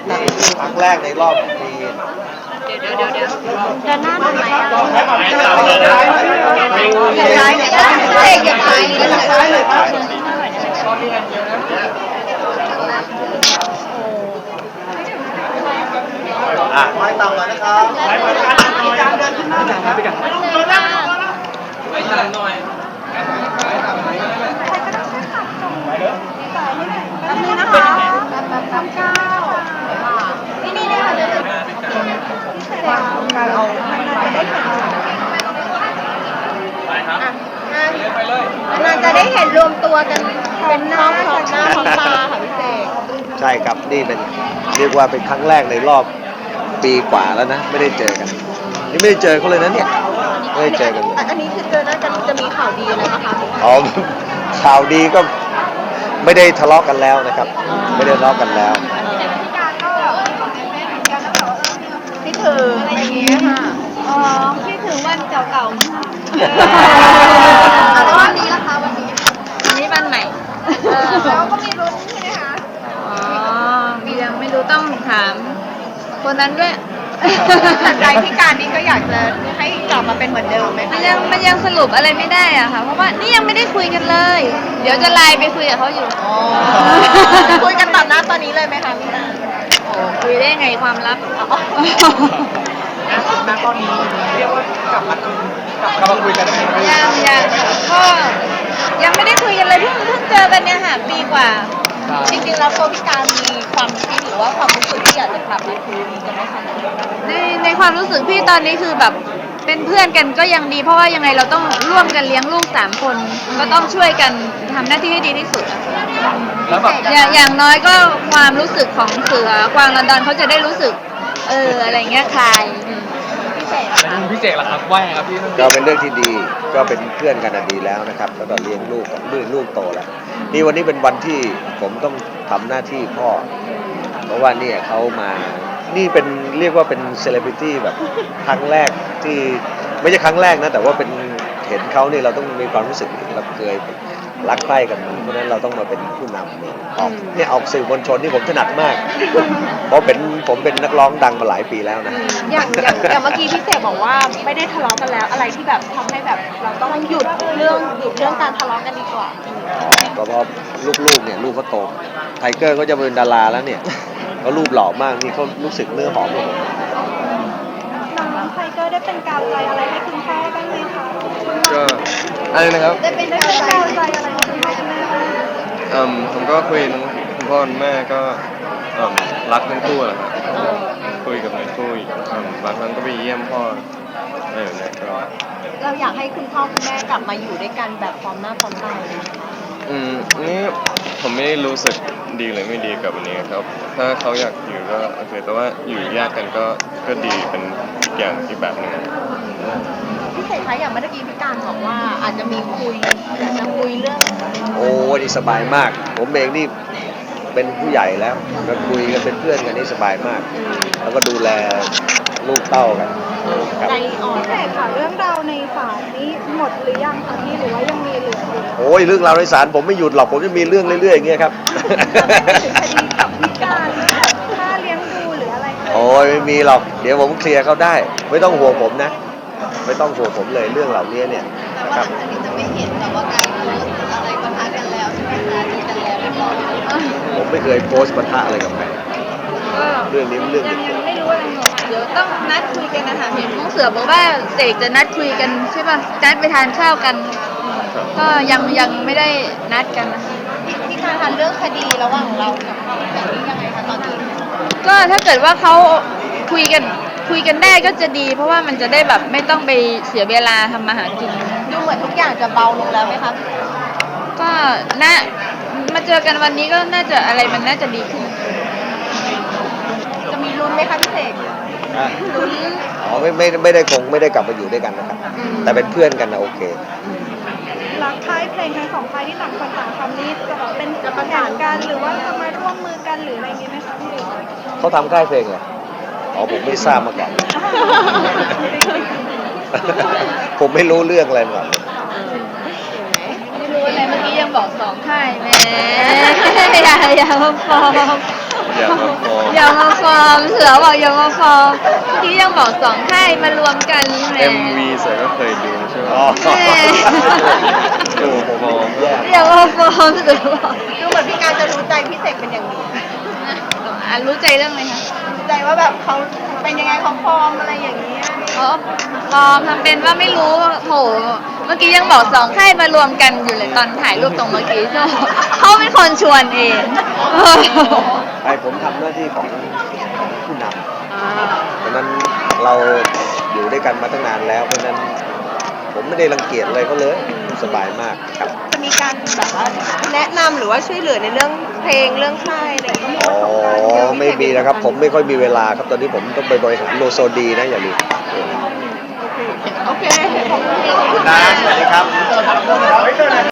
ครั้งแรกในรอบปีเดินหน้าทำไมอ่ะอย่าซ้ายเนี่ยอย่าซ้ายเลยไม่ต่ำเลยนะครับการเดินขึ้นหน้าหน่อยครับพี่กันไม่ต่ำหน่อยแป๊บนึงนะคะทำก้าวนี่ค่ะเดินการเอานานจะได้เห็นรวมตัวกันเป็นหน้าพร้อมหน้าพร้อมตาค่ะพี่เสกใช่ครับนี่เป็นเรียกว่าเป็นครั้งแรกในรอบปีกว่าแล้วนะไม่ได้เจอกันนี่ไม่ได้เจอเขาเลยนะเนี่ยไม่ได้เจอกันอันนี้คือเจอหน้ากันจะมีข่าวดีอะไรนะคะอ๋อข่าวดีก็ไม่ได้ทะเลาะกันแล้วนะครับไม่ได้ทะเลาะกันแล้วพี่ถึงอะไรอย่างเงี้ยค่ะอ๋อพี่ถึงวันเก่าๆมั้งแล้ววันนี้ล่ะคะวันนี้วันใหม่แล้วก็มีลุ้นใช่ไหมคะอ๋อยังไม่รู้ต้องถามคนนั้นด้วยแต่ใจที่การนี้ก็อยากจะให้กลับมาเป็นเหมือนเดิมไหมมันยังสรุปอะไรไม่ได้อะค่ะเพราะว่านี่ยังไม่ได้คุยกันเลยเดี๋ยวจะไลน์ไปคุยกับเขาอยู่คุยกันแบบนั้นตอนนี้เลยไหมคะพี่นาคุยได้ไงความลับณตอนนี้เรียกว่ากลับมาคุยกันได้ไหมยังก็ยังไม่ได้คุยกันเลยเพิ่งเจอกันเนี่ยค่ะปีกว่าจริงๆแล้วตัวพี่การมีความคิดหรือว่าความรู้สึกที่อยากจะกลับมาคุยกันไหมคะในความรู้สึกพี่ตอนนี้คือแบบเป็นเพื่อนกันก็ยังดีเพราะว่ายังไงเราต้องร่วมกันเลี้ยงลูก3 คนก็ต้องช่วยกันทำหน้าที่ให้ดีที่สุดอย่างน้อยก็ความรู้สึกของเสือกวางลอนดอนเขาจะได้รู้สึกอะไรเงี้ยคลายพี่เจกล่ะครับว่าไงครับพี่ก็เป็นเรื่องที่ดีก็เป็นเพื่อนกันดีแล้วนะครับแล้วก็เลี้ยงลูกโตแล้วนี่วันนี้เป็นวันที่ผมต้องทำหน้าที่พ่อเพราะว่าเนี่ยเขามานี่เป็นเรียกว่าเป็นเซเลบริตี้แบบครั้งแรกที่ไม่ใช่ครั้งแรกนะแต่ว่าเป็นเห็นเขาเนี่ยเราต้องมีความรู้สึกเราเคยรักใคร่กันเพราะฉะนั้นเราต้องมาเป็นผู้นำออกสื่อมวลชนที่ผมถนัดมากเพราะผมเป็นนักร้องดังมาหลายปีแล้วนะอย่างเมื่อกี้พี่เสกบอกว่าไม่ได้ทะเลาะกันแล้วอะไรที่แบบทำให้แบบเราต้องหยุดเรื่องการทะเลาะกันดีกว่าก็เพราะลูกเนี่ยลูกเขาโตไทเกอร์ก็จะเป็นดาราแล้วเนี่ยเขารูปหล่อมากนี่เขารู้สึกเนื้อหอมเลยน้องไทเกอร์ได้เป็นกาวใจอะไรให้คุณพ่อบ้างไหมคะก็อะไรนะครับได้เป็นกาวใจอะไรให้คุณพ่อคุณแม่ผมก็คุยทั้งคุณพ่อคุณแม่ก็รักทั้งคู่แหละครับคุยกับทั้งคู่บางครั้งก็ไปเยี่ยมพ่ออะไรแบบนี้ก็เราอยากให้คุณพ่อคุณแม่กลับมาอยู่ด้วยกันแบบพร้อมหน้าพร้อมตานี่ผมไม่ได้รู้สึกดีหรือไม่ดีกับอันนี้ครับถ้าเขาอยากอยู่ก็โอเคแต่ว่าอยู่แยกกันก็ดีเป็นอย่างที่แบบนึงพี่เสกคะอย่างเมื่อกี้พี่การบอกว่าอาจจะมีอยากจะคุยเรื่องโอ้นี่สบายมากผมเองนี่เป็นผู้ใหญ่แล้วก็คุยกันเป็นเพื่อนกันนี่สบายมากแล้วก็ดูแลลูกเต้ากันใจอ่อนพี่เสกค่ะเรื่องราวในศาลนี้หมดหรือยังคะพี่หรือว่ายังมีเหลืออยู่โอ้ยเรื่องราวในศาลผมไม่หยุดหรอกผมจะมีเรื่องเรื่อยๆอย่างเงี้ยครับถึงคดีกับพี่การค่าเลี้ยงดูหรืออะไรโอ้ยไม่มีหรอกเดี๋ยวผมเคลียร์เขาได้ไม่ต้องห่วงผมนะไม่ต้องห่วงผมเลยเรื่องเหล่านี้เนี่ยนะครับอันนี้จะไม่เห็นแบบว่าการโพสอะไรปะทะกันแล้วใช่ไหมคะดีกันแล้วเรียบร้อยผมไม่เคยโพสต์ปะทะอะไรกับใครเรื่องนี้เรื่องยังไม่รู้อะไรเดี๋ยวต้องนัดคุยกันนะคะเห็นน้องเสือบอกว่าเสกจะนัดคุยกันใช่ป่ะนัดไปทานข้าวกันก็ยังไม่ได้นัดกันนะพี่การทานเรื่องคดีระหว่างเรากับแบบนี้ยังไงคะตอนนี้ก็ถ้าเกิดว่าเขาคุยกันได้ก็จะดีเพราะว่ามันจะได้แบบไม่ต้องไปเสียเวลาทำมาหากินดูเหมือนทุกอย่างจะเบาลงแล้วไหมคะก็มาเจอกันวันนี้ก็น่าจะอะไรมันน่าจะดีขึ้นจะมีลุ้นไหมคะพี่เสกลุ้นอ๋อไม่ได้กลับมาอยู่ด้วยกันนะครับแต่เป็นเพื่อนกันนะโอเครักค่ายเพลงทั้ง2ค่ายที่ต่างคนต่างทำนี่จะเป็นประสานกันหรือว่าจะมาร่วมมือกันหรืออะไรนี้ไหมคะพี่เขาทำค่ายเพลงเหรออ๋อผมไม่ทราบมาก่อนผมไม่รู้เรื่องอะไรมาก่อนไม่รู้อะไรเมื่อกี้ยังบอก2 ค่ายแหมอย่ามาฟ้องฟอร์มเสือบอกอย่ามาฟอร์มที่ยังบอกสองค่ายมารวมกันแหม MV เสือก็เคยดูใช่ไหมอ๋อแม่โอ้โหผมแย่อย่ามาฟอร์มเสือบอกดูเหมือนพี่การจะรู้ใจพี่เสกเป็นอย่างดีรู้ใจเรื่องอะไรคะรู้ใจว่าแบบเขาเป็นยังไงเขาฟอร์มอะไรอย่างนี้อ๋อฟอร์มทำเป็นว่าไม่รู้โถเมื่อกี้ยังบอกสองค่ายมารวมกันอยู่เลยตอนถ่ายรูปตรงเมื่อกี้โถเขาเป็นคนชวนเองไอ้ผมทำหน้าที่ของผู้นำเพราะฉะนั้นเราอยู่ด้วยกันมาตั้งนานแล้ว เพราะฉะนั้นผมไม่ได้รังเกียจอะไรเขาเลยสบายมากครับจะมีการแบบว่าแนะนำหรือว่าช่วยเหลือในเรื่องเพลงเรื่องค่ายอะไรอย่างเงี้ยอ๋อไม่มีนะครับ ผมไม่ค่อยมีเวลาครับตอนนี้ผมต้องไปบริหารโลโซดีนะอย่าลืมโอเคขอบคุณนะสวัสดีครับ